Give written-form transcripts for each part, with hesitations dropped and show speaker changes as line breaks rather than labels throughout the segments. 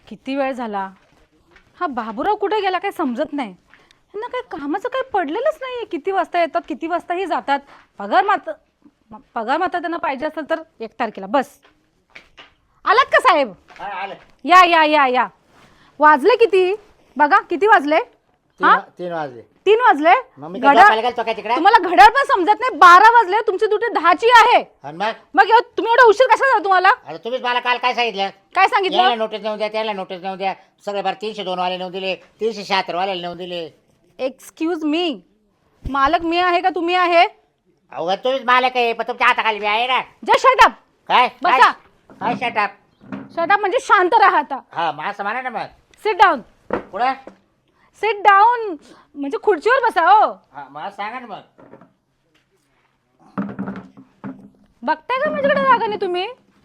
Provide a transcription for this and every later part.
किती वेळ झाला. हा बाबूराव कुठे गेला काही समजत नाही. यांना काही कामाचं काही पडलेलंच नाहीये. किती वाजता येतात, किती वाजताही जातात. पगार मात्र त्यांना पाहिजे असेल तर 1 तारखेला बस. आलात का साहेब? या या या या. वाजले किती बघा, किती वाजले?
3 वाजले.
3 वाजले. तुम्हाला घड्याळ पण समजत नाही. 12 वाजले. तुमची ड्युटी 10ची आहे. मग तुम्ही एवढा उशीर कसा झाला तुम्हाला?
अरे तुम्हीच मला काल काय सांगितलं?
काय सांगितलं?
नोटीस नेऊन द्या, त्याला नोटीस नेऊन द्या. सगळे बार 302 वाले नेऊन दिले, 376 वाले नेऊन दिले.
एक्सक्यूज मी, मालक मी आहे का तुम्ही आहे?
अहो तुम्हीच मालक आहे, पण तुमच्या हाताखाली मी आहे ना.
Just shut up.
काय
बसा.
काय शट अप?
शट अप म्हणजे शांत राहा आता.
हा मग असं म्हणा ना. मग
सिट डाऊन.
पुढे
सिट डाऊन म्हणजे खुर्चीवर बसा. हो
हा मग सांगा ना. मग
बघताय का माझ्याकडे रागाने तुम्ही?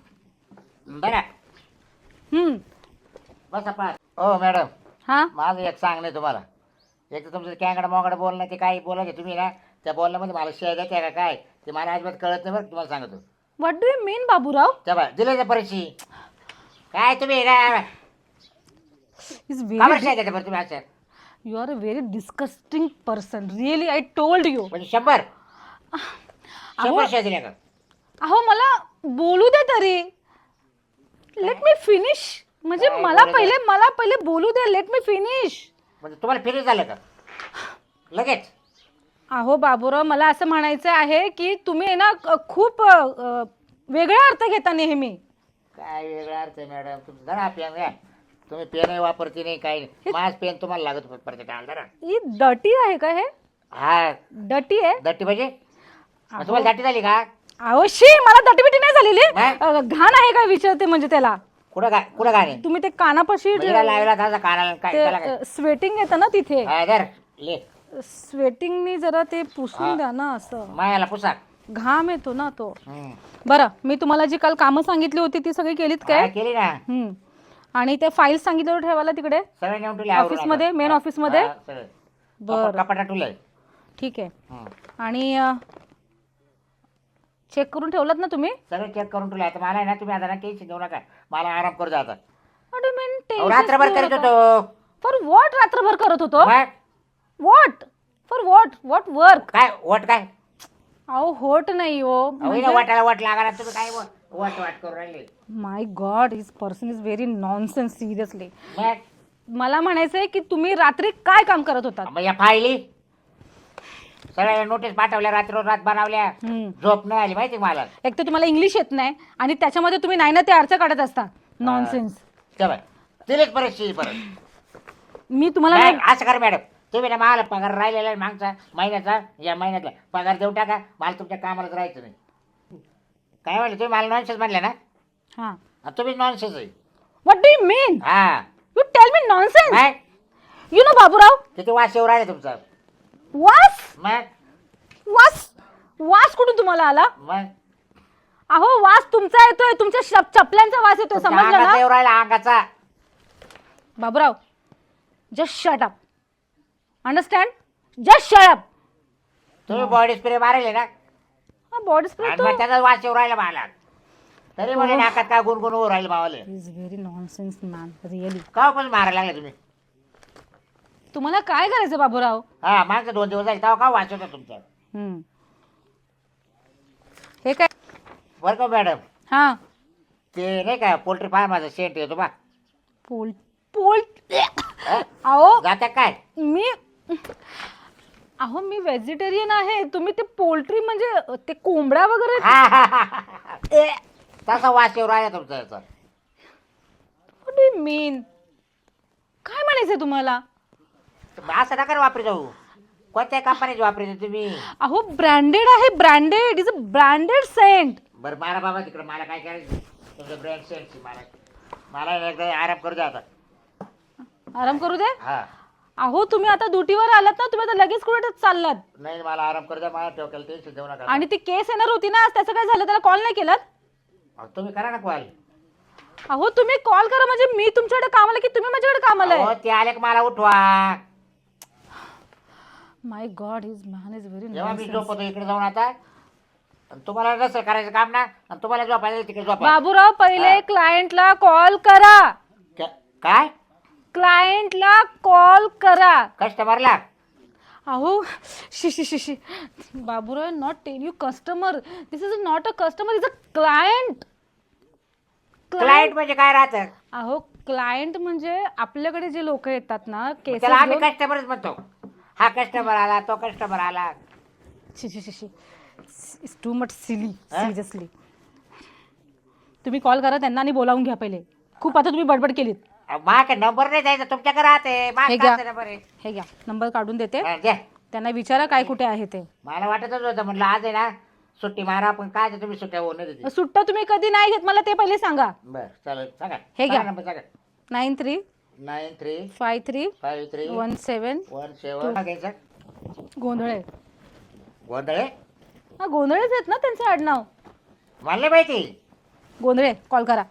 बरं बस पाच. हो मॅडम,
हा
माझं एक सांगणं आहे तुम्हाला. एक तर तुमचं कॅंगडा मोगडा बोलणं ते काही बोलायचे तुम्ही ना, त्या बोलण्यामध्ये मला शेअर द्यायचे का काय ते मला अजिबात कळत नाही. बरं तुम्हाला सांगतो.
What do you mean Baburao?
त्या बा दिले त्या परीक्षी काय तुम्ही काय
इज
शेअर
व्हेरी
द्यायचं बरं तुम्ही असं
you are a very disgusting person. Really I told you.
म्हणजे 100 शेअर दिल्या का?
अहो मला बोलू दे तरी. Let me finish. म्हणजे
काय
मला
बोलायचं?
पहिले बोलू दे. Late me finish.
म्हणजे तुम्हाला फिनिश झालं का लगेच?
अहो बाबूराव, मला असं म्हणायचं आहे की तुम्ही ना खूप वेगळा अर्थ घेता नेहमी.
काय वेगळा अर्थ आहे मॅडम तुमचं? जरा पेन घ्या. तुम्ही पेनही वापरते नाही काही नाही. माझ पेन तुम्हाला लागत प्रत्येक जरा.
ही डटी आहे का? हे
हा
डटी आहे?
दट्टी म्हणजे तुम्हाला दट्टी झाली का?
अहो शी, मला दटीबिटी नाही झालेली.
नाही?
घाण आहे का विचारते म्हणजे त्याला.
कुठं गाणे
तुम्ही ते कानापाशी
लावला त्याचा कानाला काय त्याला काय?
स्वेटिंग येतं ना तिथे.
हा, धर ले
स्वेटिंगनी जरा ते पुसून द्या ना. असं
मायाला पुसा.
घाम येतो ना तो. बरं, मी तुम्हाला जी काल कामं सांगितली होती ती सगळी केलीत काय?
केली ना.
आणि ते फाईल सांगितलं ठेवायला तिकडे
सगळे नेऊन ठेवले
ऑफिस मध्ये, मेन ऑफिस मध्ये. बरं
कपाटा ठेवलंय.
ठीक आहे. आणि चेक करून ठेवलात ना तुम्ही?
सगळं चेक करून ठेवलं. आता मला आहे ना, तुम्ही आता टेन्शन घेऊ नका. मला आराम करू द्या आता.
What do you mean tension?
रात्रभर करीत होतो.
फॉर व्हॉट रात्रभर करत होतो?
मग?
What for what work?
काय वट काय?
अहो होट नाही हो.
वाटायला वट लागा तुम्ही काय वट वाट करून राहिले.
My god, his person is very nonsense. Seriously
मग
मला म्हणायचंय की तुम्ही रात्री काय काम करत होतात?
मग या फायली सगळ्या नोटीस पाठवल्या, रात बनवल्या. झोप नाही आली माहिती मला.
एक तर तुम्हाला इंग्लिश येत नाही आणि त्याच्यामध्ये तुम्ही नाही ना ते अर्थ काढत असता. नॉनसेन्स.
दिलेच परिस्थिती परत.
मी तुम्हाला
असं कर मॅडम, तुम्ही ना मला पगार राहिलेला आहे मागचा महिन्याचा, या महिन्यातला पगार देऊ टाका. मला तुमच्या कामालाच राहायचं नाही. काय म्हणले तुम्ही? मला नॉनसेन्स म्हणले ना?
हा,
तुम्ही नॉनसेन्स आहे.
What do you mean?
हा
यू टेल मी नॉनसेन्स.
काय
यू नो बाबूराव,
किती वास येऊ राहिले तुमचा?
वास?
मग
वास कुठून तुम्हाला आला?
मग
अहो वास तुमचा येतोय. तुमच्या चपल्यांचा वास येतोय. समजलं
अंगाचा
ना
येऊ राहिला, अंगाचा.
Baburao, just shut up. Understand? Just shut up.
तुम्ही बॉडी स्प्रे मारेले ना,
बॉडी स्प्रे
आणि मग त्याचा वास येऊ राहिला मला. तरी म्हणे नाकात काय गुणगुण होऊ राहिले मावाले.
Is very nonsense man, really.
का पण मारायला लागले तुम्ही?
तुम्हाला काय करायचं बाबूराव?
हा मागचा 2 दिवस झाले तेव्हा का वास होता तुमचा?
हे काय
बरं का मॅडम,
हा
ते नाही का पोल्ट्री फार्माचा सेंट येतो बा.
अहो
जात्या काय?
मी व्हेजिटेरियन आहे. तुम्ही ते पोल्ट्री म्हणजे ते कोंबडा वगैरे.
तसा वास येऊ राहिला तुमचा याचा.
What do you mean? काय म्हणायचंय तुम्हाला?
असं नका वापरी जाऊ. कोणत्या कंपनीची वापरी तुम्ही?
अहो ब्रँडेड आहे. Branded is a branded scent.
बरं मारा बाबा तिकडे. मला काय करायचं तुमचं ब्रँड सेंटची? मला एकदा आराम करू द्या आता.
आराम करू दे.
हा
अहो तुम्ही आता ड्युटीवर आलात ना, तुम्ही आता लगेच कुठे चाललात?
नाही मला आराम करू द्या. मला ठोक्याला टेन्शन देऊ नका.
आणि ती केस येणार होती ना, त्याचं काय झालं? त्याला कॉल नाही केलात?
तुम्ही करा ना कॉल.
अहो तुम्ही कॉल करा म्हणजे मी तुमच्याकडे कामाला की तुम्ही माझ्याकडे कामाला आहे?
ते आले मला उठवा.
My god, his man is very
जेव्हा मी झोपतो इकडे जाऊन आता, तुम्हाला नसेल करायचं काम ना, आणि तुम्हाला झोपायला तिकडे झोपा.
बाबूराव, पहिले क्लायंटला कॉल करा.
काय
क्लायंटला कॉल करा.
कस्टमरला?
अहो शी शी शी शी Baburao, not tell you customer, this is not a customer, is a client.
Client म्हणजे काय राहतं?
अहो क्लायंट म्हणजे आपल्याकडे जे लोक येतात ना
त्याला आम्ही
केसेस.
कस्टमरच म्हणतो. हा कस्टमर आला, तो कस्टमर आला.
शी शी शी शी इट्स टू मच सिली,
हा?
सिरियसली. तुम्ही कॉल करा त्यांना आणि बोलावून घ्या पहिले. खूप आता तुम्ही बडबड केलीत.
माझ्या नंबर नाही द्यायचा, तुमच्याकडे राहते.
हे घ्या.
माझा नंबर आहे.
हे घ्या, नंबर काढून देते.
हा, द्या.
त्यांना विचारा काय कुठे आहे ते.
मला वाटतच होतं, म्हणलं आज आहे ना सुट्टी मारा, पण काय ते तुम्ही सुट्ट्या होऊन देते.
सुट्टा तुम्ही कधी नाही घेत मला ते पहिले सांगा.
बरं चालेल, सांगा.
हे घ्या.
सांगा नंबर सांगा.
935317
घ्यायचा.
गोंधळे.
गोंधळे?
हा गोंधळेच आहेत ना त्यांचं आडनाव.
मला नाही माहिती.
गोंधळे कॉल करा.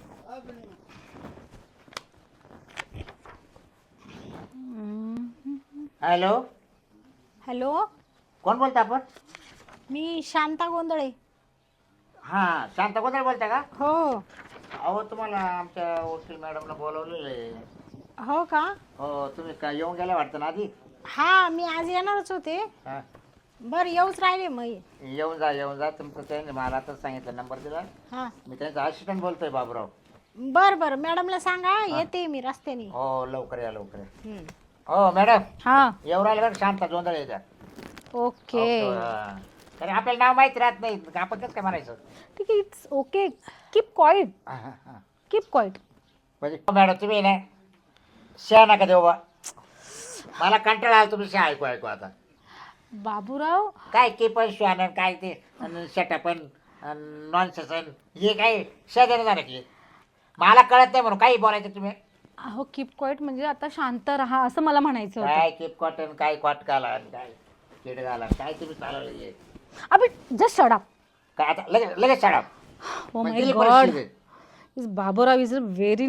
हॅलो,
हॅलो,
कोण बोलता आपण?
मी शांता गोंधळे.
हा, शांत गोंधळे बोलता का?
हो.
अहो तुम्हाला आमच्या वकील मॅडमला बोलवलेलं आहे.
हो का?
हो, तुम्ही काय येऊन गेल्या वाटतं ना आधी?
हा, मी आज येणारच होते.
हा.
बरं, येऊच राहिले मग.
येऊन जा. तुमचं त्याने मला आताच सांगितलं, नंबर दिला.
हा,
मी त्यांचा असिस्टंट बोलतोय बाबूराव.
बरं बरं, मॅडमला सांगा येते मी रस्त्याने.
हो, लवकर या लवकर या.
हम्म.
हो मॅडम,
हा
येऊ राहिले बरं, शांत गोंधळे द्या.
ओके
कारण आपल्याला नाव माहिती राहत नाही, आपण कसं काय म्हणायचं?
ठीक आहे, इट्स ओके. कीप क्वाइट,
हा, हा, हा.
Keep quiet.
म्हणजे मॅडम तुम्ही ना शहा नका देऊ बा. मला कंटाळा आला तुम्ही शहा ऐकू आता.
बाबूराव
काय की पण शहाणं काय ते शटापण नॉनसेन्स हे काय शेजारी झालं की मला कळत नाही म्हणून काही बोलायचं तुम्ही.
अहो कीप क्वाइट म्हणजे आता शांत राहा असं मला म्हणायचं होतं.
काय किप कॉटन, काय कॉट घाला, काय किड घाला, काय तुम्ही चालवलं
अबे जस्ट शट अप.
काय आता लगेच लगेच शाळा.
Oh my god, is Baburao is a very.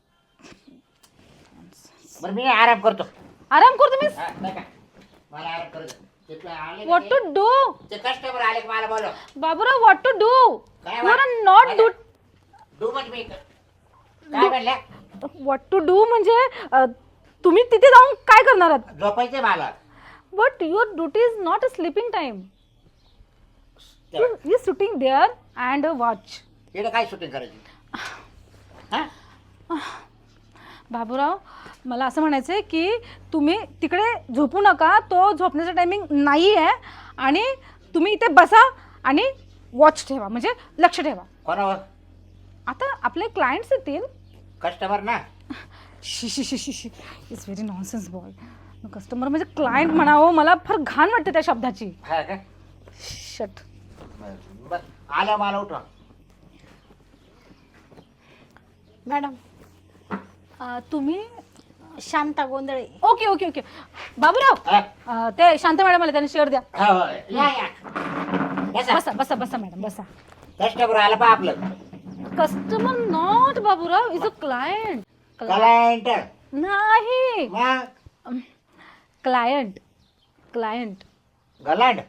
बरं मी आराम करतो.
आराम कर तुम्ही.
हा, नाही का? मला आराम करू दे. ते आले ना
व्हॉट टू डू
ते कस्टमर आले की मला बोलव.
Baburao, what to do.
काय
you are not do.
Do म्हणजे मी काय म्हणल्या?
व्हॉट टू डू म्हणजे तुम्ही तिथे जाऊन काय करणार आहात?
झोपायचे मला.
But your duty is not a sleeping time. You sitting there and watch.
इकडे काय शूटिंग करायची? हा?
बाबूराव, मला असं म्हणायचं आहे की तुम्ही तिकडे झोपू नका. तो झोपण्याचा टायमिंग नाही आहे आणि तुम्ही इथे बसा आणि वॉच ठेवा, म्हणजे लक्ष ठेवा.
कोणावर?
आता आपले क्लायंट्स येतील.
कस्टमर ना.
शी शी शी शी शी it's very nonsense boy. Customer म्हणजे क्लायंट म्हणावं, मला फार घाण वाटते त्या शब्दाची.
हा का?
शट.
बरं, आल्या मला उठवा.
मॅडम,
तुम्ही
Shanta Gondhale.
Okay okay okay. Baburao,
हा?
ते शांत मॅडम आले, त्यांनी शेअर द्या.
हो, हो. या या. बसा.
बसा बसा बसा मॅडम बसा.
कस्टमर आला पा आपलं.
Customer not Baburao, is a client.
Client
नाही,
मग
क्लायंट. क्लायंट.
गलांड.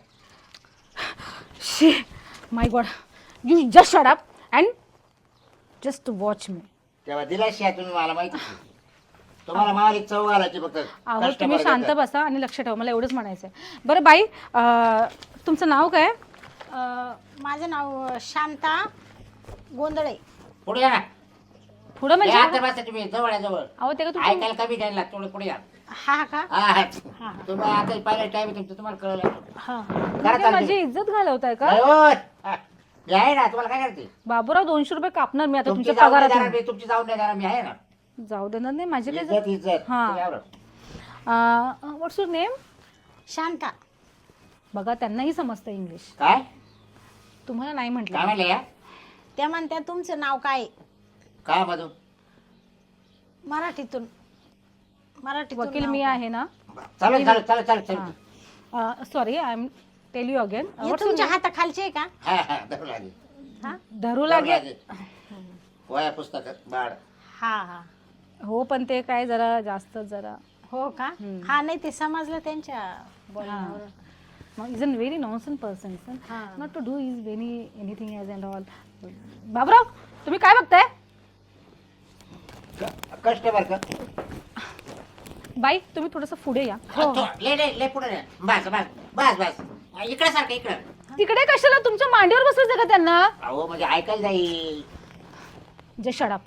शी my god, you just shut up and just watch me.
तेव्हा दिला शिया तुम्ही, मला माहिती आहे. तुम्हाला मालिक चव घालायची फक्त.
अहो
customer
तुम्ही शांत
देतात.
बसा आणि लक्ष ठेवा, मला एवढंच म्हणायचं आहे. बरं बाई, तुमचं नाव काय?
माझं नाव शांता गोंधळे.
पुढे या ना.
पुढं
या आता
म्हणजे
बसा तुम्ही, जवळ या जवळ.
अहो ते का तुमचं
ऐकायला कमी द्यायला थोडं पुढे या.
हा का?
हा, हा.
हा.
तुम्ही आता पहिला टाइम तुमचं, तुम्हाला कळलं.
हा.
करा
म्हणजे माझी इज्जत घालवताय का?
नाही हो. हा. मी आहे ना, तुम्हाला काय करते?
बाबूराव 200 रुपये कापणार मी आता
तुमची
तुमच्या
जाऊन नाही
पगारात.
देणार मी, तुमची जाऊन नाही देणार मी, आहे ना.
जाऊ देणार नाही माझे काय.
इज्जत इज्जत.
हा.
तुम्ही यावर.
What's your name?
शांता.
बघा त्यांनाही समजतं इंग्लिश,
काय
तुम्हाला नाही
काय
म्हटलं.
म्हणले या?
त्या म्हणत्या तुमचं नाव काय?
काय मधून?
मराठीतून.
वकील
नाव
मी
काय?
आहे ना.
चालेल चालेल चालेल चालेल चालेल.
Sorry, I am tell you again.
हे तुमच्या हाताखालचे आहे का?
हा हा धरू लागेल.
हा
धरू लागेल.
वया पुस्तक बाळ.
हा हा.
हो पण ते काय जरा जास्त जरा
हो का? हा, नाही ते समजलं त्यांच्या बोलण्यावर.
Is an very nonsense person.
हा.
Not to do is very anything as and all. Baburao, तुम्ही काय बघताय?
कस्टमर का
बाई तुम्ही थोडस पुढे या.
ले पुढे रे. बस बस बस बस इकडे सारखं इकडं.
तिकडे कशाला तुमच्या मांडीवर बसवायचं का त्यांना?
अहो म्हणजे ऐकायला जाईल.
जे शडाप.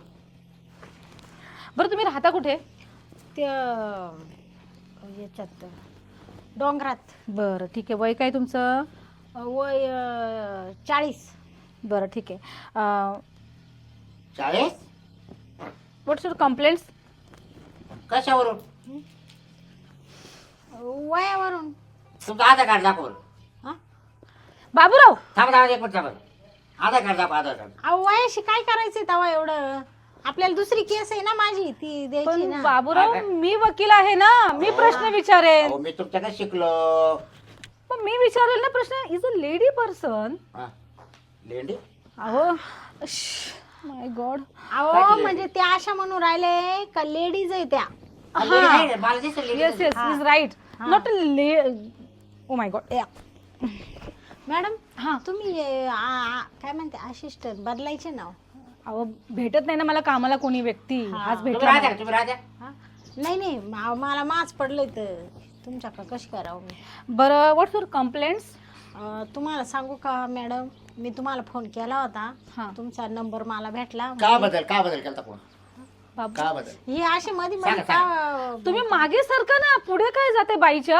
बरं तुम्ही राहता कुठे?
ते याच्यात डोंगरात.
बरं ठीक आहे. वय काय तुमचं?
वय 40.
बरं ठीक आहे.
40
व्हॉट्स युअर कंप्लेंट्स?
कशावरून?
वयावरून.
तुमचं आधार कार्ड दाखव.
हा?
बाबूराव
थांबा एक मिनिट थांबा. आधार कार्ड दाखव आधार कार्ड.
अहो वयाशी काय करायचंय तेव्हा एवढं? आपल्याला दुसरी केस आहे ना माझी, ती द्यायची
पण
ना.
बाबूराव मी वकील आहे ना, मी प्रश्न विचारेन.
अहो मी तुमच्याकडे शिकलो.
पण मी विचारेल ना प्रश्न. Is a lady person.
लेंडी
अहो माय गॉड.
अहो म्हणजे त्या अशा म्हणून राहिले का लेडीज आहे त्या.
मला दिसलं
yes yes is right. Not oh my god.
Madam
हा
तुम्ही काय म्हणते असिस्टंट बदलायचे नाव?
अहो भेटत नाही ना मला कामाला कोणी व्यक्ती. आज
तुम्ही
भेटला
राजा
नाही.
तुम्ही राजा.
हा? नाही मला माच पडलंय तर तुमच्याकडे कशी करावं मी?
बरं व्हॉट्स युअर कंप्लेंट्स?
तुम्हाला सांगू का मॅडम, मी तुम्हाला फोन केला
हा.
होता, तुमचा नंबर मला भेटला.
का बदल केलता फोन?
बाबू
का बदल?
हे असे मध्ये मध्ये
सांगा,
का
तुम्ही मागे सरका ना, पुढे काय जाते बाईच्या?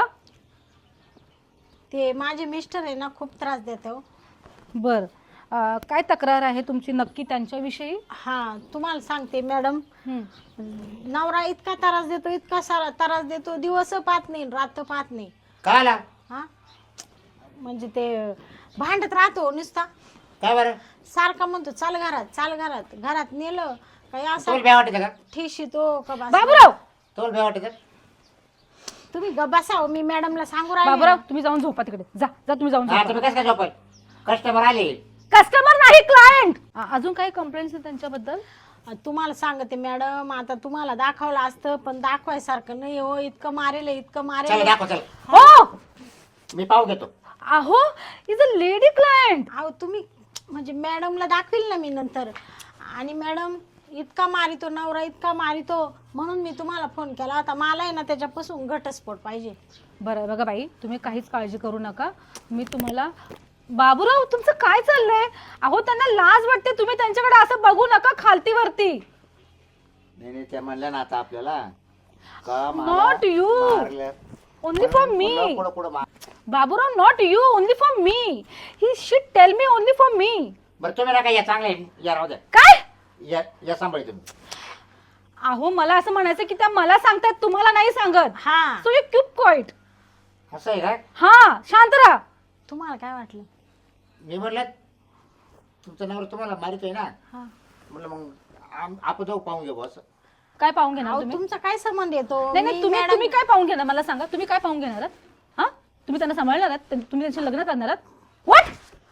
ते माझे मिस्टर आहे ना खूप त्रास देते हो.
बर काय तक्रार आहे तुमची नक्की त्यांच्याविषयी?
हा तुम्हाला सांगते मॅडम, नवरा इतका इतका सारा त्रास देतो, दिवस पाहत नाही रात पाहत नाही.
का आला?
हा म्हणजे ते भांडत राहतो नुसता.
काय बरं?
सारखा म्हणतो चाल घरात घरात नेलं काही
तुला
असं
भ्या वाटत का?
ठेशी तो का बस.
बाबूराव
तुला भ्या वाटत?
तुम्ही बसा, मी मॅडमला सांगू राहिले.
बाबूराव तुम्ही जाऊन झोपा तिकडे. जा जा तुम्ही जाऊन
हा
झोपा.
तुम्ही कसं काय झोपाय? कस्टमर आले.
कस्टमर नाही क्लायंट. अजून काही कंप्लेंट्स आहेत त्यांच्याबद्दल?
तुम्हाला सांगते मॅडम, आता तुम्हाला दाखवलं असतं पण दाखवायसारखं नाही हो. इतकं मारेल
चल दाखव चल.
हो
मी पाहू घेतो.
अहो इज अ लेडी क्लायंट.
अहो तुम्ही म्हणजे मॅडमला दाखवील ना मी नंतर. आणि मॅडम इतका मारितो नवरा, इतका मारितो, म्हणून मी तुम्हाला फोन केला होता. मला आहे ना त्याच्यापासून घटस्फोट पाहिजे.
बरं बघा बाई, तुम्ही काहीच काळजी करू नका. मी तुम्हाला. बाबूराव तुमचं काय चाललंय? अहो त्यांना लाज वाटते, तुम्ही त्यांच्याकडे असं बघू नका खालती वरती.
नाही त्या म्हणल्या ना आता आपल्याला का
not you, only for me. Baburao not you, only for me. ही shit tell me only for me.
बरं तुम्ही नका या चांगले या राहू द्या.
काय?
या सांभाळी तुम्ही.
अहो मला असं म्हणायचं की त्या मला सांगतात, तुम्हाला नाही सांगत.
हा
सो यू कीप क्वाइट.
असं आहे का?
हा शांत राहा.
तुम्हाला काय वाटलं?
मी म्हटलं तुमचं नवरा तुम्हाला मारितोय ना,
हा
म्हटलं मग आपण जाऊ पाहून घेऊ असं.
काय पाहून घेणार
अहो
तुम्ही?
तुमचा काय संबंध येतो?
नाही नाही
मी
तुम्ही
मॅडम-
तुम्ही काय पाहून घेणार मला सांगा. तुम्ही काय पाहून घेणार आहात? हा तुम्ही त्यांना सांभाळणार आहात? तुम्ही त्यांचे लग्न करणार आहात? What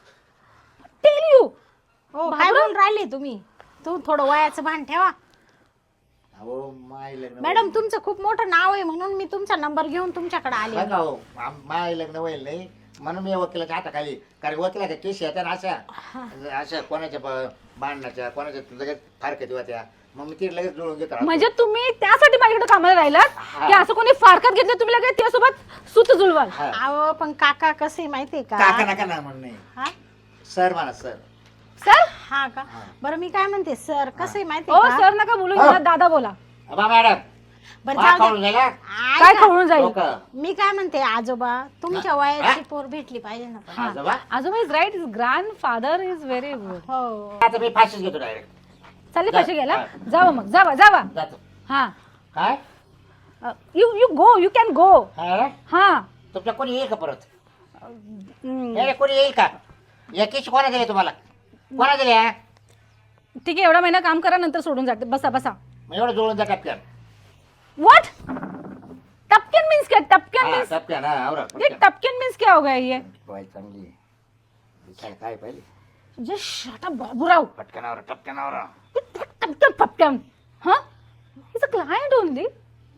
tell you.
हो काय बोलून राहिले तुम्ही? थोडं वयाचं भान ठेवा.
अहो माय लग्न
मॅडम तुमचं खूप मोठं नाव आहे म्हणून मी तुमचा नंबर घेऊन तुमच्याकडे आले.
बघा हो, माय लग्न होईल नाही म्हणून मी वकिलाच्या हाताखाली, कारण वकिलाच्या केस येत्या ना अशा कोणाच्या भांडणाच्या, कोणाच्या लगेच फारकत होत्या, मग मी ती लगेच जुळून घेतो.
म्हणजे तुम्ही त्यासाठी माझ्याकडे कामाला राहिलात की असं कोणी फारकत घेतलं तुम्ही लगेच त्यासोबत सूत जुळवाल?
हा.
अहो पण काका कसे माहितीये का?
काका नका ना म्हणणे,
हा
सर म्हणा सर.
सर
हा का? बरं मी काय म्हणते सर, कसं आहे माहिती
ओ
का?
सर नका बोलू, मला दादा बोला.
बा मॅडम
बरं
मा
जाऊ
खाऊन
द्या.
गेला
काय
ऐका,
खवळून जाईल?
लोकं.
मी काय म्हणते आजोबा, तुमच्या वयाची पोर भेटली पाहिजे ना पण.
आजोबा
आजोबा is right, is grandfather is very good.
हो
आता मी फाशीच घेतो डायरेक्ट.
चालले पैसे घ्यायला?
हा.
जावा मग, जावा जावा.
जातो.
हा
काय
you you go, you can go.
हा?
हा
तुमच्या कोणी येईल का परत?
हम्म,
नाही, कोणी येईल का? या केस कोणा दिले तुम्हाला? कोणा दिले?
ठीक आहे, एवढा महिना काम करा, नंतर सोडून जाते. बसा बसा.
मग एवढं जुळून जा टपक्यान.
व्हाट टपकन मीन्स क्या? टपकन मीन्स
टपक्यान, हा आवरा
ये टपकन मीन्स क्या हो गया ये?
बाई चांगली दिसायला काय पाहिजे?
जे शट अप बाबूराव.
पटकन आवरा, टपक्यान आवरा.
टपकन पपकन. हा is a client only.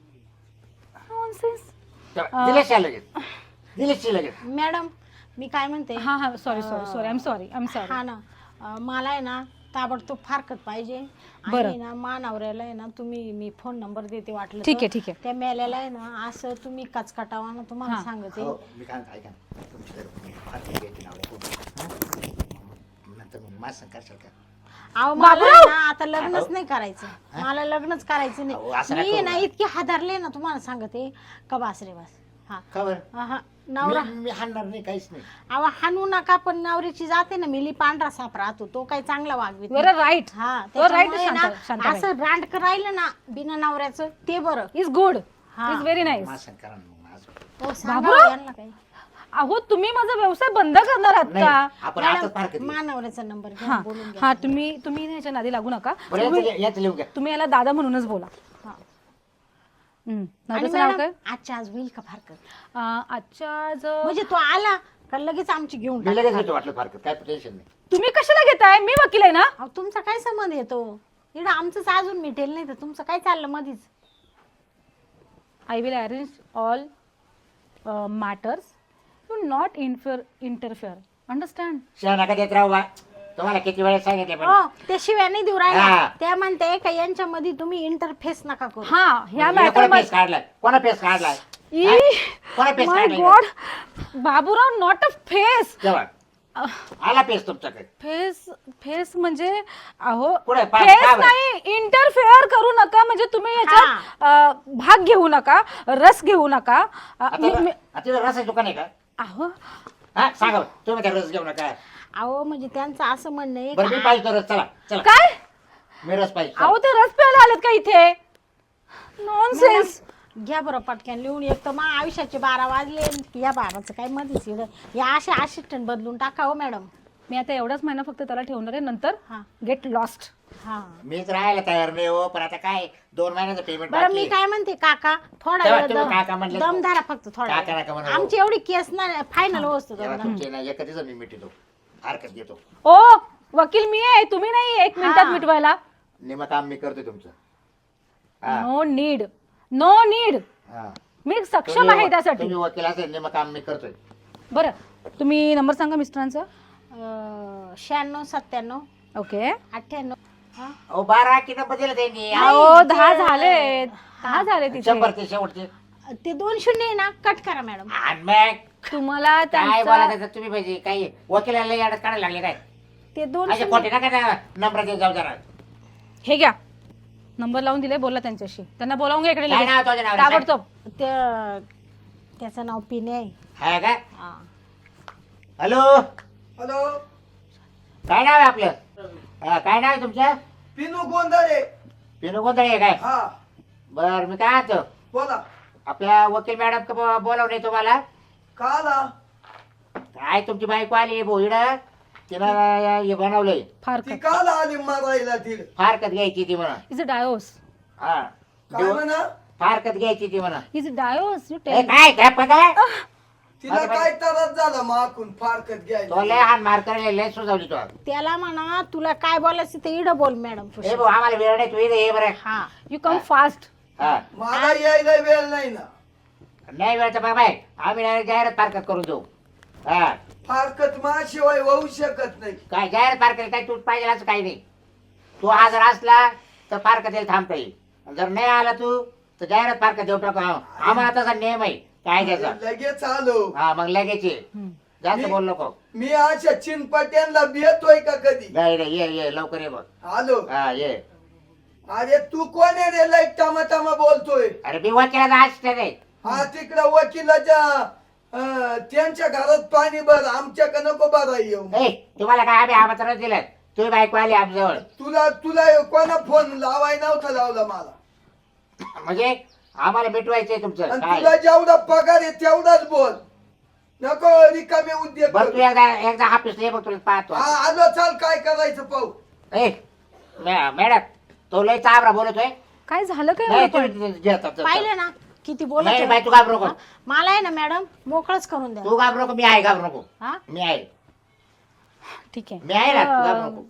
Nonsense.
दिलेच लगेच, दिलेच लगेच.
मॅडम मी काय म्हणते,
हा हा sorry sorry sorry, I am sorry, I am sorry.
हा ना मला आहे ना ताबडतोब फारकत पाहिजे.
बरं.
आणि ना मानवऱ्याला आहे ना तुम्ही मी फोन नंबर देते वाटलं
ठीक
तर.
आहे, ठीक आहे.
त्या मेल्याला आहे ना असं तुम्ही कचकटावा ना तुम्हाला
हा.
सांगते.
हो, मी काय म्हणतो, ऐका ना. तुमची जर फारकत घ्यायची नाव आहे, खूप. हा? नंतर मग माझं सांग करशाल का?
अहो मला
बाबूराव!
आहे ना आता लग्नच नाही करायचं. मला लग्नच करायचं
अहो, असं
नाही.
नका
मी
करू
ना
ना.
इतकी हादरले ना तुम्हाला सांगते का बास रे बास. हा
खबर
हा नवरा
मी हाणणार नाही, काहीच नाही.
अहो हाणू नका, पण नवरीची जाते ना मिली पांढरा साप राहतो, तो काही चांगला वागवीत
बरं, राईट.
हा
बरं, right,
त्याच्यामुळे ना
शांताबाई.
असं रांडक राहिलं ना बिना नवऱ्याचं ते बरं.
इज गुड,
हा.
Is very nice.
माझं सांग करा ना मग माझं.
हो, सांगा
बाबूराव!
यांना काही.
अहो तुम्ही माझा व्यवसाय बंद करणार आहात
नाही,
का?
आपण आताच फारकत
मॅडम,
घेऊ.
मानवऱ्याचा नंबर घ्या,
हा
बोलून घ्या.
हा तुम्ही ह्याच्या नादी लागू नका.
बरं, याचं लिहून घ्या.
तुम्ही याला दादा म्हणूनच बोला.
हा.
हम्म.
आणि
नवऱ्याचं नाव
मॅडम,
काय?
आजच्या आज होईल का फारकत?
आजच्या
म्हणजे तो आला का लगेच आमची घेऊन
मी
टाका.
लगेच घेतो वाटलं फारकत, काय टेन्शन नाही.
तुम्ही कशाला घेताय? मी वकील आहे ना.
अहो, तुमचा काय संबंध येतो इकडं? आमचंच अजून मिटेल नाही तर तुमचं काय चाललं मधीच?
I will arrange all matters. You not interfere. Understand?
शिवाय नका देत राहू बा. तुम्हाला किती वेळेस सांगितले पण.
हो, ते शिव्या नाही देऊ राहिल्या.
हा.
त्या म्हणते का यांच्यामध्ये तुम्ही इंटरफेस नका करू.
हा, ह्या
म्हणजे कोणा
मॅटर
पेस काढलाय, कोणा पेस काढलाय, कोणा पेस
माय
काढलाय?
God, Baburao, not a face.
जेव्हा आला पेस तुमच्याकडे.
फेस म्हणजे अहो
पुढे
फेस नाही, इंटरफेअर करू नका. म्हणजे तुम्ही याच्यात भाग घेऊ नका, रस घेऊ नका.
तिथं रसाचं दुकान आहे का?
अहो
हा सांगा बरं. तुम्ही त्या रस घेऊ नका.
अहो म्हणजे त्यांचं असं म्हणणं आहे
बरं मी
का-
पाहिजे तो रस. चला चला,
काय?
मी रस पाहिजे.
अहो ते रस प्यायला आलेत का इथे? नॉनसेन्स.
घ्या बरं पटक्यान लिहून. एक तर मग आयुष्याचे 12 वाजले, या 12चं काय मध्येच इकडं या असे असिस्टंट बदलून टाका हो मॅडम.
मी आता एवढाच महिना फक्त त्याला ठेवणार आहे, नंतर
हा
गेट लॉस्ट.
हा
मीच राहायला तयार नाही हो, पण आता काय 2 महिन्याचं पेमेंट
बरं मी काय म्हणते काका, थोडा
तेव्हा
वेळ
तुम्ही काका म्हणले.
दमधारा फक्त थोडा
काका
वेळ.
नका म्हणू.
आमची एवढी केस ना फायनल वस्तू
तुमचे ना एका दिवसात मी मिटतो, हरकत घेतो.
ओ वकील मी आहे, तुम्ही नाही. 1 मिनिटात
हा.
मिटवायला.
निम काम मी करतो तुमचं. हा.
No need, no need.
हा.
मी सक्षम आहे त्यासाठी.
तुम्ही वकील असेल, निम काम मी करतोय.
बरं, तुम्ही नंबर सांगा मिस्टरांचा.
96 97
ओके.
98. हा
अहो 12 की नंबर दिला त्यांनी.
अहो 10 झाले, 10 झाले तिथे.
शंभर ते शेवटचे.
ते 2 शून्य आहे ना, कट करा मॅडम.
आणि मग
तुम्हाला
काय
त्यांचा
बोलायचं तुम्ही पाहिजे? काही वकिलाला याडत काढायला लागले काय?
ते 2
असे खोटे नका नंबर देत जाऊ जरा.
हे घ्या, नंबर लावून दिले, बोला त्यांच्याशी. त्यांना बोलावून घ्या इकडे
काय
लगेच.
नाव तुझ्या नावाचं?
ताबडतोब.
त्याचं नाव पिने आहे.
हा का?
हा.
हॅलो,
हॅलो,
काय नाव आहे आपलं? हा, काय नाव आहे तुमचं?
पिनू गोंधळे.
पिनू गोंधळे आहे काय?
हा
बर, मी काय म्हणतो,
बोला.
आपल्या वकील मॅडम का बोलावले तुम्हाला?
का आला?
काय तुमची बायको आली भोईड, तिनं हे बनवलंय.
फार
ती काल आली मारायला तिला.
फारकत घ्यायची ती म्हणा.
Is a divorce.
हा,
काय म्हणा?
फारकत घ्यायची ती म्हणा.
Is a divorce. यू
ए,
टेल.
काय काय पगार?
तिला काय त्रास झाला माकून फारकत
तो
घ्यायला?
लय हान मार करायला लय सुजावली तो.
त्याला म्हणा तुला काय बोलायचं ते इडं बोल मॅडम.
ए भाऊ, आम्हाला वेळ नाही, तू इथे ये बरं.
हा
यू कम फास्ट.
हा,
मला यायला वेळ नाही ना.
नाही वेळचं बघ बाय, आम्ही direct जाहिरात फारकत करून देऊ. हा,
फारकत माझ्याशिवाय होऊ शकत नाही.
काय जाहिरात फारकत काय तू पाहिजे असं काही नाही. तू हा जर असला तर फारकत यायला थांबता येईल. जर नाही आला तू तर जाहिरात फारकत देऊ टाकू. आम्हाला तसा नियम आहे काय त्याचा.
लगेच आलो.
हा, मग लगेच ये. जास्त बोल नको.
मी अशा चिनपट्यांना भेटतोय का कधी?
नाही रे, ये ये लवकर ये बघ.
आलो.
हा, ये.
अरे तू कोण आहे रे? लय टमाटमा बोलतोय.
अरे मी वकिलाचा असते रे.
हा तिकडं वकिलाच्या त्यांच्या घरात पाणी भर, आमच्याकडे नको भरा येऊ.
ए, तुम्हाला काय आम्ही आमंत्रण दिलं? तुम्ही बायको आली आमच्याजवळ
तुला तुला कोणा फोन लावाय नव्हता लावला मला.
म्हणजे आम्हाला मिटवायचंय तुमचं
आणि
काय?
तुला जेवढा पगार आहे तेवढाच बोल, नको रिकामे उद्योग
बरं तू
करू.
एकदा ऑफिसला ये बघ, तुला पाहतो.
हा आलो, चाल काय करायचं पाहू.
ए मॅडम, तो लय चाबरा बोलतोय.
काय झालं काय
नाही
एवढं पण?
तुम्ही घेतात.
पाहिलं ना किती बोलत
नाही
आहे.
बाई, तू घाबरू नको.
मला आहे ना मॅडम मोकळच करून द्या.
तू घाबरू नको, मी आहे. घाबरू नको,
हा
मी आहे.
ठीक आहे.
मी आहे ना, तू घाबरू नको.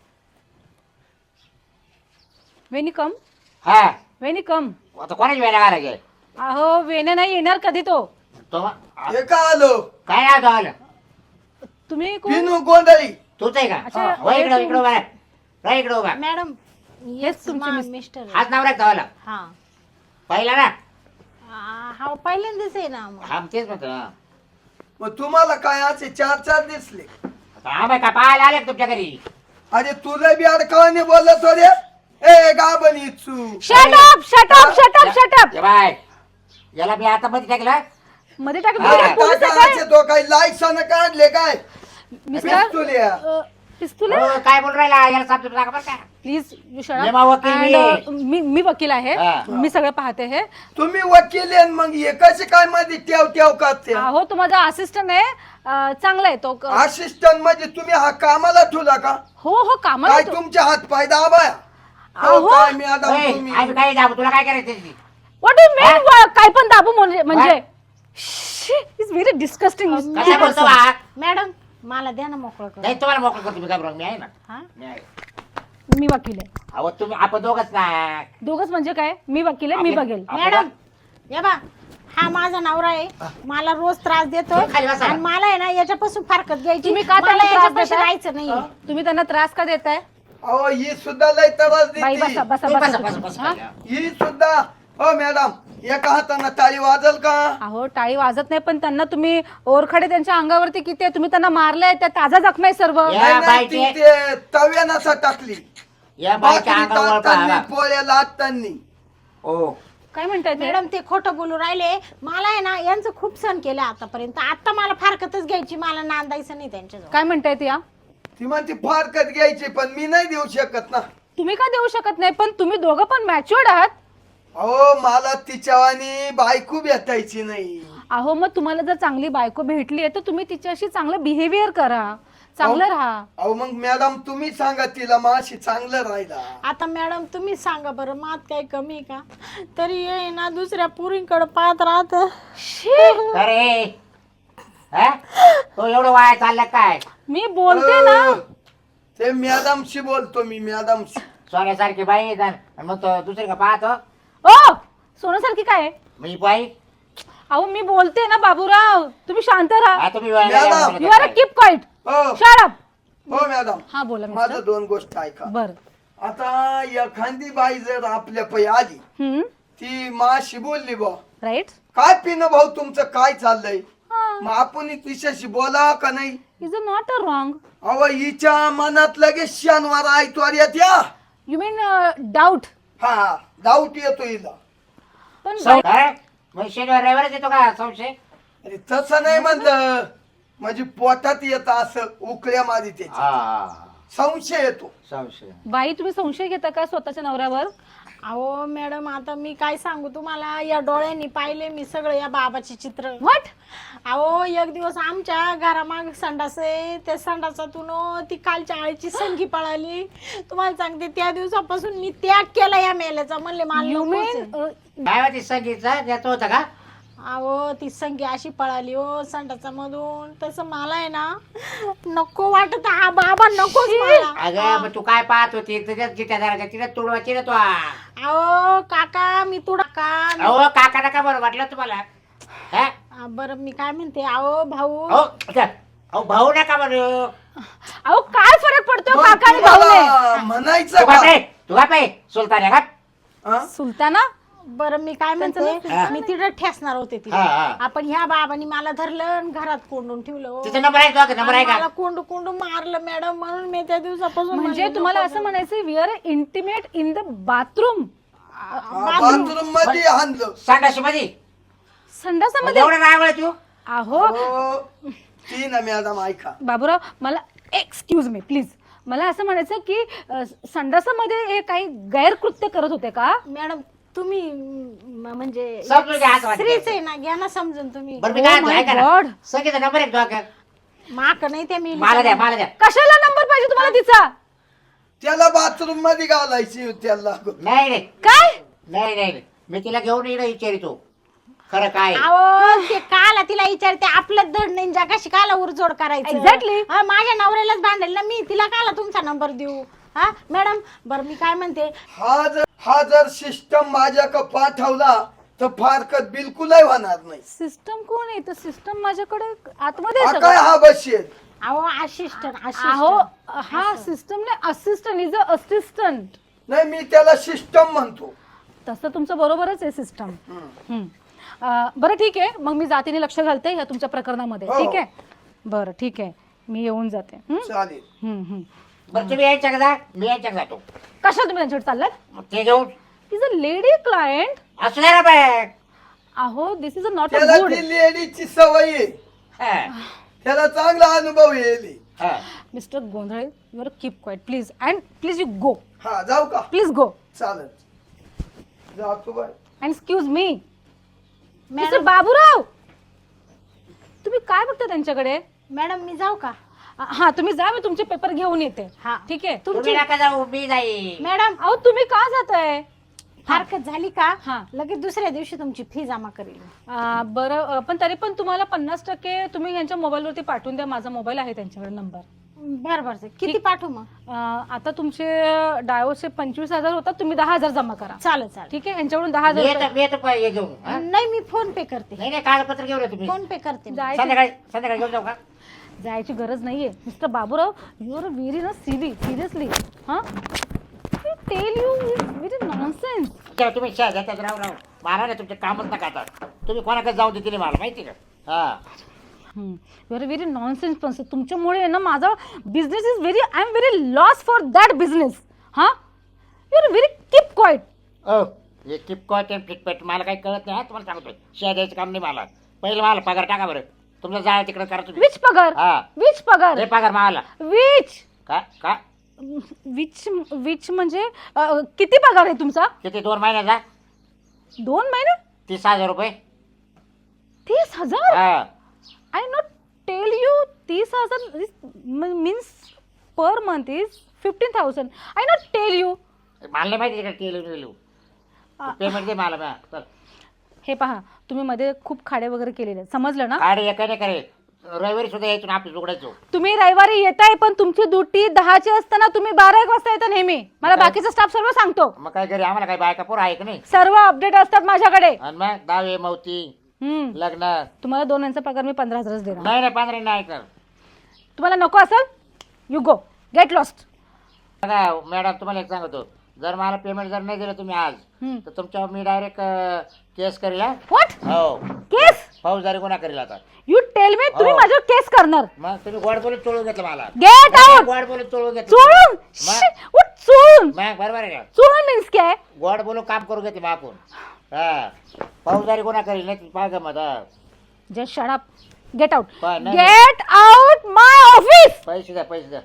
वेनी कम,
हा,
वेनी कम.
आता कोणाची वेळा घालायचे?
अहो वेने नाही येणार कधी तो.
तो
हे का आलो?
काय नाव तो आलं?
तुम्ही कोण?
हो.
पिनू गोंधळी.
तूच आहे का?
अच्छा,
हो, इकडं
हे
इकडं बघा. राह इकडे उभा.
मॅडम
हेच तुमचे
मिस्टर
हाच नवरा धावाला
हा
पहिला ना.
हा पहिल्यांदाच आहे ना मग.
हा तेच म्हणतो ना.
मग तुम्हाला काय असे 4 दिसले?
हा बाई का पाहायला आले का तुमच्या घरी?
अरे तुला बी अडकावाने बोलत हो रे. ए गाबन इच्छू
shut up shut up shut up shut up
ये बाय याला मी आता मध्ये टाकलं.
मध्ये टाकलं.
हा.
तुम्ही पोलीस आहे काय?
तो काही लायसन काढले काय
मिस्टर
पिस्तुल्या.
पिस्तुल
हो, काय बोल राहिला याला समजून टाका बरं का.
प्लीज
ये मा वकील मी आहे.
मी वकील आहे.
हा.
मी सगळं पाहते हे.
तुम्ही वकील आहे मग हे कसे काय मध्ये ठेव करते?
हो तो माझा असिस्टंट आहे. चांगला आहे तो.
असिस्टंट म्हणजे तुम्ही हा कामाला ठेवला का?
हो हो कामाला
काय
तो.
तुमचे हात पाय दाबाया?
अहो.
काय मॅडम
ए,
तुम्ही
आम्ही काय दाबू तुला काय करायचं ते?
व्हॉट डू मीन काय पण दाबू म्हणजे इज व्हेरी डिस्कस्टिंग.
कसा बोलतो हा?
मॅडम मला द्या ना मोकळं कर.
नाही तुम्हाला मोकळं करतो मी काय बरोबर मी आहे ना.
हा
मी आहे.
मी वकील आहे.
अहो तुम्ही आपण दोघच ना.
दोघच म्हणजे काय? मी वकील आहे. मी बघेल.
मॅडम या बा हा माझा नवरा आहे. मला रोज त्रास देतोय
खाली बसा.
आणि मला आहे ना याच्यापासून फारकत घ्यायची.
तुम्ही का त्याला
मला
त्रास
याच्यापाशी
देताय?
राहायचं नाही.
तुम्ही त्यांना त्रास का देताय?
अहो ही सुद्धा लय त्रास
बाई
देते.
बसा बसा
बसा,
बसा
बसा, बसा,
हा?
बसा.
ही सुद्धा हो मॅडम एका हाताने टाळी वाजल का?
अहो टाळी वाजत नाही पण त्यांना तुम्ही ओरखडे त्यांच्या अंगावरती किती आहे? तुम्ही त्यांना मारलंय त्या ताजा जखमा आहे सर्व.
या.
नाही, नाही,
बाईचे.
ती ते तव्यानाचा टाकली.
या बाईच्या
भाकरी
अंगावर
टाकतानी,
पहा.
पोळ्या लाटतानी.
ओ
काय म्हणताय ते?
मॅडम ते खोटं बोलू राहिले. मला आहे ना यांचं खूप सण केलं आतापर्यंत. आता मला फारकतच घ्यायची. मला नांदायचं नाही त्यांच्याजवळ.
काय म्हणतायत या?
ती म्हणते फारकत घ्यायची पण मी नाही देऊ शकत ना.
तुम्ही का देऊ शकत नाही? पण तुम्ही दोघं पण मॅच्युअर्ड आहात.
अहो मला तिच्यावानी बायको भेटायची नाही.
अहो मग तुम्हाला जर चांगली बायको भेटली आहे तर तुम्ही तिच्याशी चांगलं बिहेवियर करा. चांगलं राहा.
अहो मग मॅडम तुम्ही सांगा तिला माशी चांगलं राहिला.
आता मॅडम तुम्ही सांगा बरं मात काही कमी का? तरी आहे ना दुसऱ्या पुरींकडे पाहत राहत.
अरे हा? तो एवढं वाया चाललं काय?
मी बोलते ना.
ते मॅडमशी बोलतो मी मॅडमशी.
सोन्यासारखी बाई आहे आणि मग तो दुसरी का पाहतो
ओ सोन्यासारखी काय आहे?
Me by.
अहो मी बोलते ना बाबूराव. तुम्ही शांत राहा.
हा तुम्ही
madam.
You are keep quiet.
हो
शट अप.
हो मॅडम
हा बोला
माझं
मिस्टर.
2 गोष्ट ऐका.
बर.
आता एखादी बाई जर आपल्या पै आली ती माशी बोलली बा
राईट.
काय पिणं भाऊ तुमचं काय चाललंय मग आपण तिच्याशी बोला का नाही?
Is a not a wrong.
अहो हिच्या मनात लगेच शनिवार आयतवार येत्या.
You mean doubt.
हा डाऊट येतो हिला.
पण
मग शनिवार रविवारच येतो का संशय?
अरे तसं नाही म्हणलं म्हणजे पोटात येत असं उकळ्या मारी त्याची
हा
संशय येतो.
संशय.
बाई तुम्ही संशय घेता का स्वतःच्या नवऱ्यावर?
अहो मॅडम आता मी काय सांगू तुम्हाला. या डोळ्यांनी पाहिले मी सगळं या बाबाचे चित्र.
व्हॉट?
अहो एक दिवस आमच्या घरामाग संडास आहे. त्या संडासातून ती कालच्या आळीची संगी पळाली. तुम्हाला सांगते त्या दिवसापासून मी त्याग केला या मेल्याचा. म्हणले मला
यू
नकोच आहे.
मीन
काय होती संगीतचा त्याचं होतं का?
अहो ती संगी अशी पळाली हो संडासा मधून. तसं मला आहे ना नको वाटत. हा बाबा नकोच मला.
अगं मग तू काय पाहत होती तुझ्याच जित्या जरा तिला तुडवायची ना तू.
अहो काका मी तुडा का.
अहो काका नका बरं वाटलं तुम्हाला? हा?
बरं मी काय म्हणते अहो भाऊ.
अहो भाऊ नका बरं.
अहो काय फरक पडतो
मग
काका आणि भाऊने?
तुम्हाला म्हणायचं
तू
का?
काय तू काय सुलतान आहे का?
हा?
सुलताना.
बरं मी काय म्हणते
हा.
मी तिथं ठेसणार होते
हा,
तिला.
हा.
आपण ह्या बाबांनी मला धरलं आणि घरात कोंडून ठेवलं हो.
तिचा नंबर आहे का? नंबर आहे
आणि मला
का?
कोंडू कोंडू मारलं मॅडम. म्हणून मी त्या दिवसापासून
म्हणजे
म्हणले
तुम्हाला
नको
असं म्हणायचं we are intimate in the bathroom.
Bathroom मध्ये आणलं.
संडाशी मध्ये
संडासामध्ये.
एवढं रागवलं तू?
अहो
हो ती ना मॅडम ऐका.
बाबूराव मला एक्सक्यूज मी प्लीज. मला असं म्हणायचं की संडासामध्ये हे काही गैरकृत्य करत होते का?
मॅडम तुम्ही म्हणजे
समजून घ्या असं वाटतं.
स्त्रीच आहे ना. घ्या ना समजून तुम्ही.
बरं मी
Oh
काय
my
ऐका ना.
God.
संगीता नंबर आहे का तुझा?
माक नाही त्या मी
मला द्या मला द्या.
कशाला नंबर पाहिजे तुम्हाला तिचा?
त्याला बाथरूम मध्ये घालायची त्याला.
नाही नाही
काय?
नाही नाही मी तिला घेऊन येणं विचारितो खरं काय.
अहो ते काला तिला विचारते आपलं धड नाही जगाशी काला उरजोड करायचं.
Exactly.
माझ्या नवऱ्यालाच भांडेल ना मी. तिला काला तुमचा नंबर देऊ? हा मॅडम बरं मी काय म्हणते.
हा जर सिस्टम माझ्याकडे पाठवला तर फारकत बिलकुलही होणार नाही.
सिस्टम कोण आहे? तर सिस्टम माझ्याकडे आतमध्ये
हा
आहे
काय
सगळं.
हा बसेल
अहो असिस्टंट
अहो हा सिस्टम नाही, असिस्टंट इज अ असिस्टंट.
नाही मी त्याला सिस्टम म्हणतो.
तसं तुमचं बरोबरच आहे सिस्टम. बरं ठीक आहे, मग मी जातीने लक्ष घालते ह्या तुमच्या प्रकरणामध्ये.
हो.
ठीक आहे, बरं ठीक आहे, मी येऊन जाते.
चालेल.
बरं तुम्ही यायच्या का जा, मी यायच्या का जातो.
कशा तुम्ही त्यांच्याकडे चाललात?
मग ते घेऊन
इज अ लेडी क्लायंट.
असू द्या ना बॅग.
अहो दिस इज अ नॉट अ
त्याला
गुड.
ती लेडीची सवय आहे. त्याला चांगला अनुभव येईल.
Mister Gondhale, you are keep quiet please, and please you go.
हा जाऊ का?
Please go.
चालेल जातो bye.
And excuse me mister Baburao, तुम्ही काय बघता त्यांच्याकडे?
मॅडम मी जाऊ का?
हा तुम्ही जा, मी तुमचे पेपर घेऊन येते.
हा.
ठीक आहे.
तुम्ही नका जाऊ, मी जाईल.
मॅडम
अहो तुम्ही का जाताय?
हरकत झाली का
हा.
लगेच दुसऱ्या दिवशी तुमची फी जमा करेल.
बरं पण तरी पण तुम्हाला 50% तुम्ही यांच्या मोबाईलवरती पाठवून द्या. माझा मोबाईल आहे त्यांच्याकडे नंबर.
बरं बरं किती पाठवू मग?
आता तुमचे डायोचे 25,000 होतात, तुम्ही 10,000 जमा करा.
चालेल चालेल.
ठीक आहे, यांच्याकडून
मी
10,000
येतो, मी येतो हे घेऊन. हा?
नाही मी फोन पे करते.
नाही नाही कागदपत्र घेऊन येतो मी.
फोन पे करते मी.
संध्याकाळी घेऊन जाऊ का?
जायची गरज नाहीये. Mister Baburao, you are very ना सिली, सिरियसली. हा टेल यू व्हेरी नॉनसेन्स.
तेव्हा तुम्ही त्यात राहू मला नाही तुमचे कामच नका आता. तुम्ही कोणाकडे जाऊ देते नाही मला माहिती का. हा
you are very nonsense person. तुमच्यामुळे ना माझा business is very, I am very loss for that business. हा you are very keep quiet.
हे किपकॉट अँड फ्लिपकार्ट मला काही कळत नाही. हा तुम्हाला सांगतोय, शेअर द्यायचं काम नाही मला. पहिलं मला पगार टाका बरं. तुमचं जाळ तिकडे करा तुम्ही.
विच पगार?
हा.
विच पगार?
हे पगार मला.
विच
का का
विच विच म्हणजे किती पगार आहे तुमचा?
किती 2 महिन्याचा?
2 महिने?
30,000 रुपये.
30,000?
हा
I not tell you 30,000 means per month is 15,000. I not tell you.
मला नाही माहिती तिकडे केलं पेमेंट दे मला. चल
हे पहा, तुम्ही मध्ये खूप खाडे वगैरे केलेले आहेत, समजलं ना?
काढ एकाने करे. रविवारी सुद्धा यायचो ना आपली उघडायचो.
तुम्ही रविवारी येताय, पण तुमची ड्युटी 10ची असताना तुम्ही 12-1 वाजता येता नेहमी. मला
काय?
बाकीचा स्टाफ सर्व सांगतो.
मग काय घरी आम्हाला काय बायका पोर आहे का नाही?
सर्व अपडेट असतात माझ्याकडे.
आणि मग दावे मवती लग्न.
तुम्हाला 2 यांचा पगार मी 15,000 देणार.
नाही नाही 15 नाही कर.
तुम्हाला नको असेल, यू गो, गेट लॉस्ट.
बघा मॅडम तुम्हाला एक सांगतो, जर मला पेमेंट जर नाही दिलं तुम्ही आज तर तुमच्यावर मी डायरेक्ट केस करेल. हा?
व्हॉट
हो
केस?
फौजदारी गुन्हा करेल आता.
यू टेल मी, तुम्ही
हो.
माझ्यावर केस करणार?
मग तुम्ही गोड बोलून चोळून घेतलं मला.
Get out.
गोड बोलून चोळून घेतलं.
चोळून? उठ चोळून.
मग बरोबर आहे का?
चोळून मीन्स काय?
गोड बोलून काम करून घेते मागून. हा फौजदारी गुन्हा करेल नाही पाहा मग.
Just shut up, get out,
पण नाही.
Get out my office.
पैसे द्या पैसे द्या.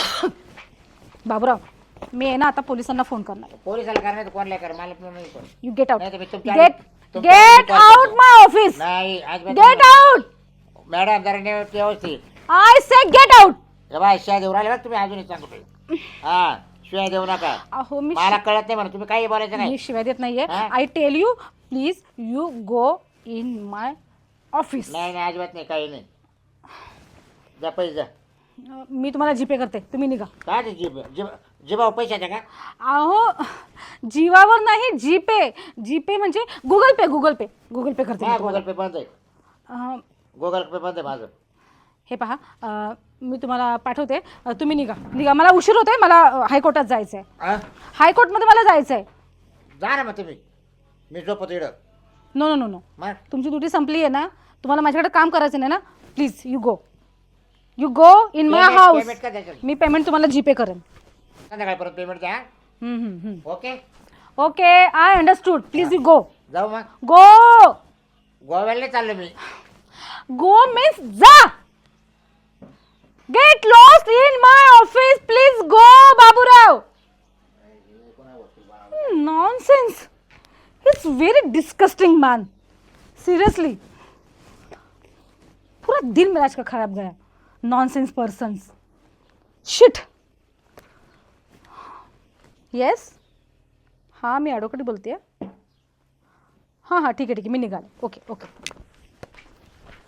बाबूराव, मी आहे ना आता पोलिसांना फोन करणार.
पोलिसाला करणार कोणाला कर मला पण नाही कोण.
यू गेट आउट,
नाही तर मी तुमच्या
गेट
तुमच्या
गेट
call
आउट
करतो.
My office.
नाही आज
गेट आउट.
मॅडम जरा व्यवस्थित.
I say get out.
हे बाय शिया देऊ राहिले बघ तुम्ही अजून सांगतो. हा शिवाय देऊ नका.
अहो मी
मला कळत नाही म्हणून तुम्ही काही बोलायचं
मी
नाही.
शिवाय देत नाहीये.
हा?
I tell you, please you go in my office.
नाही नाही अजिबात नाही काही नाही. द्या पैसे द्या.
मी तुम्हाला जीपे करते, तुम्ही निघा.
काय ते जिबावर पैसे द्या का?
अहो जीवावर नाही, जीपे. जीपे म्हणजे गुगल पे. गुगल पे करते मी
हा
तुम्हाला.
गुगल पे बंद आहे.
अं,
गुगल पे बंद आहे माझं.
हे पहा, मी तुम्हाला पाठवते, तुम्ही निघा. मला उशीर होतोय, मला हायकोर्टात जायचंय.
हा?
हायकोर्टमध्ये मला जायचंय.
जा ना मग तुम्ही. मी झोपतो इकडं.
नो नो नो नो,
मग
तुमची ड्युटी संपली आहे ना, तुम्हाला माझ्याकडे काम करायचं नाही ना, please you go in my
payment
house.
का द्यायचं?
मी पेमेंट तुम्हाला जीपे करेन.
संध्याकाळी परत पेमेंट द्या. Okay
okay, I understood. Please you go.
जाऊ मग.
गो
गोव्याला नाही चाललो मी.
गो मीन्स जा. Get lost in my office. Please go Baburao. Nonsense. It's very disgusting man, seriously. पूरा दिन मेरा आज का खराब गया. Nonsense persons. शिट. येस, हां मी ॲडव्होकेट बोलते. हां ठीक आहे मी निघाले. ओके.